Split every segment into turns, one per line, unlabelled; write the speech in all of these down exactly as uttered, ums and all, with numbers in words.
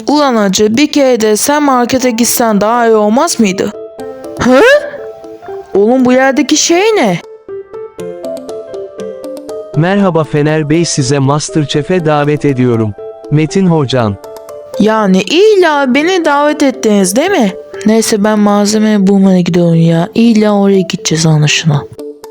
Ulan hacı, bir kere de sen markete gitsen daha iyi olmaz mıydı? Hı? Oğlum, bu yerdeki şey ne?
Merhaba Fener Bey, size MasterChef'e davet ediyorum. Metin Hocan.
Yani illa beni davet ettiniz değil mi? Neyse, ben malzeme bulmaya gidiyorum ya. İlla oraya gideceğiz anlaşılan.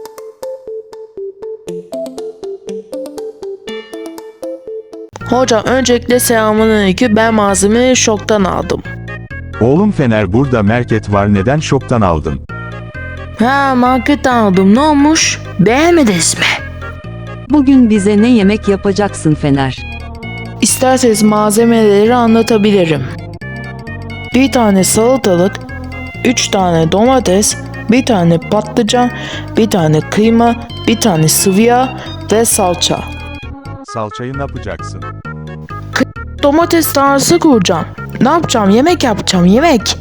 Hocam, öncelikle selamünaleyküm. Ben malzemeyi şoktan aldım.
Oğlum Fener, burada market var, neden şoktan aldın?
Ha, marketten aldım. Ne olmuş? Beğenmediniz mi?
Bugün bize ne yemek yapacaksın Fener?
İsterseniz malzemeleri anlatabilirim. Bir tane salatalık, üç tane domates, bir tane patlıcan, bir tane kıyma, bir tane sıvı yağ ve salça.
Salçayı ne yapacaksın?
Domates tarlası kuracağım. Ne yapacağım? Yemek yapacağım, yemek.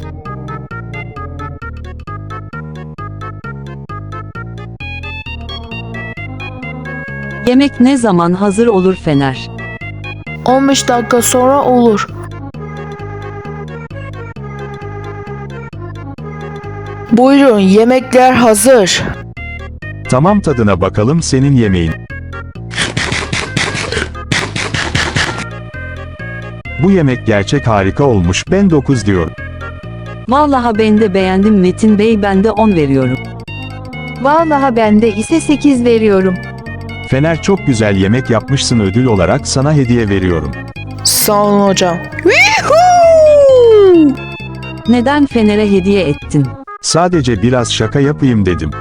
Yemek ne zaman hazır olur Fener?
on beş dakika sonra olur. Buyurun, yemekler hazır.
Tamam, tadına bakalım senin yemeğin. Bu yemek gerçek harika olmuş, ben dokuz diyorum.
Vallahi ben de beğendim Metin Bey, ben de on veriyorum.
Vallahi ben de ise sekiz veriyorum.
Fener, çok güzel yemek yapmışsın, ödül olarak sana hediye veriyorum.
Sağ olun hocam.
Neden Fener'e hediye ettin?
Sadece biraz şaka yapayım dedim.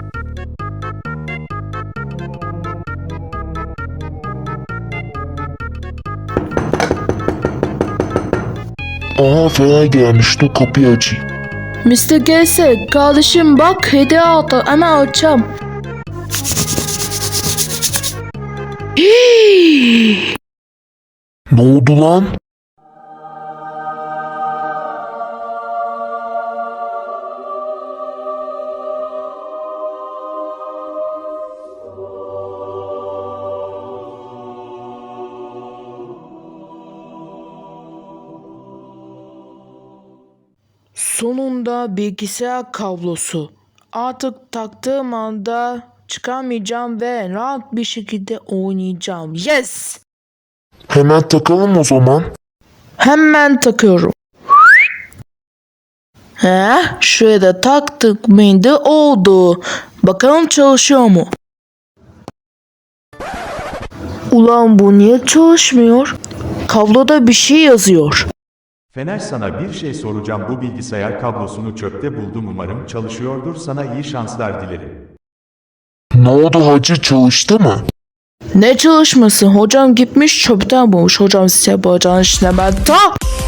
Aha, Fener gelmiş, dur kapıyı açayım.
mister Gelse, kardeşim bak, hediye aldı, hemen açacağım.
Ne oldu lan?
Sonunda bilgisayar kablosu. Artık taktığım anda çıkamayacağım ve rahat bir şekilde oynayacağım. Yes!
Hemen takalım o zaman.
Hemen takıyorum. He, şuraya da taktık mıydı oldu. Bakalım çalışıyor mu? Ulan, bu niye çalışmıyor? Kabloda bir şey yazıyor.
Fener, sana bir şey soracağım, bu bilgisayar kablosunu çöpte buldum, umarım çalışıyordur, sana iyi şanslar dilerim.
Ne oldu hacı, çalıştı mı?
Ne çalışması? Hocam gitmiş çöpten bulmuş. Hocam size yapacağınız işine ben ta...